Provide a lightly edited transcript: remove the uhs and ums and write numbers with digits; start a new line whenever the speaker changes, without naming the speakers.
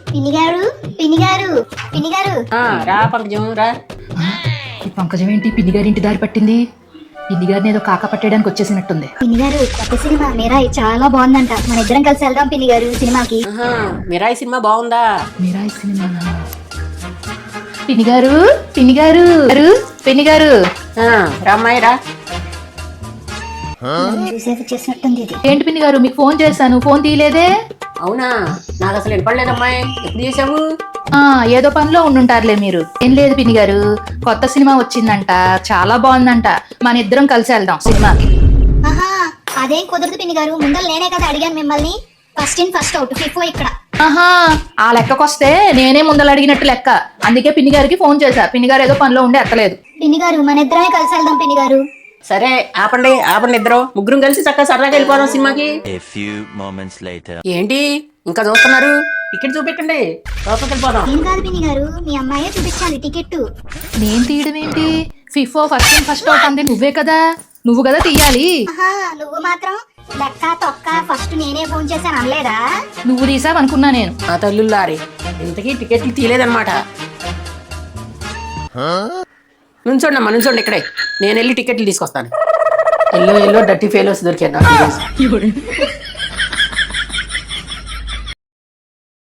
పిన్ని గారు పిన్ని గారు పిన్ని గారు
రా పంకజం రా.
ఈ పంకజం ఏంటి పిన్ని గారి ఇంటి దారి పట్టింది? పిన్ని గారిని ఏదో కాక పట్టేయడానికి వచ్చేసినట్టుంది.
పిన్ని గారు కొత్త సినిమా మిరాయి చాలా బాగుందంట, మన ఇద్దరం కలిసి వెళ్దాం పిన్ని గారు సినిమాకి.
మిరాయి సినిమా బాగుందా?
మీరాయి సినిమా. పిన్ని గారు పిన్ని గారు పిన్ని గారు
రామ్మాయి రా.
చూసేసి చేసినట్టుంది ఇది.
ఏంటి పిన్ని గారు, మీకు ఫోన్ చేశాను, ఫోన్ తీయలేదే?
అవునా, నాకు అసలు వినపడలేదమ్మాయి. ఎప్పుడు చేసావు?
ఏదో పనిలో ఉండుంటారులే మీరు. ఏం లేదు పిన్ని గారు, కొత్త సినిమా వచ్చిందంట, చాలా బాగుందంట, మన ఇద్దరం కలిసి వెళ్దాం సినిమాకి.
ఆహా, అదేం కుదరదు పిన్ని గారు, ముందర నేనే కదా అడిగాను మిమ్మల్ని. First in first out, FIFO ఇక్కడ.
ఆహా, ఆ లెక్కకొస్తే నేనే ముందలు అడిగినట్టు లెక్క. అందుకే పిన్ని గారికి ఫోన్ చేశా, పిన్ని గారు ఏదో పనిలో ఉండి ఎత్తలేదు.
పిన్ని గారు మన ఇద్దరమే కలిసి వెళ్దాం పిన్ని గారు.
సరే ఆపండి ఆపండి, ఇద్దరు ముగ్గురం కలిసి చక్కగా సరదాగా వెళ్ళిపోదాం సినిమాకి. ఏంటి ఇంకా చూస్తున్నారు? టికెట్ చూపెట్టండి, లోపలికి వెళ్ళిపోదాం.
ఏం కాదు పిన్ని గారు, మీ అమ్మాయే చూపించాలి టికెట్.
నేను తీయడం ఏంటి? FIFO first in first out అంది నువ్వే కదా, నువ్వు కదా తీయాలి.
ఆహా, నువ్వు మాత్రం లెక్క తొక్క ఫస్ట్ నేనే ఫోన్ చేశాను అనలేదా?
నువ్వు తీసావనుకున్నా నేను.
ఆ తల్లుల్లారి, ఇంతకీ టికెట్లు తీయలేదన్నమాట. నుంచోండి అమ్మా, నుంచోండి ఇక్కడే, నేను వెళ్ళి టికెట్లు తీసుకొస్తాను. ఎల్లో డర్టీ ఫెయిల్స్ దొరికాను నాకు.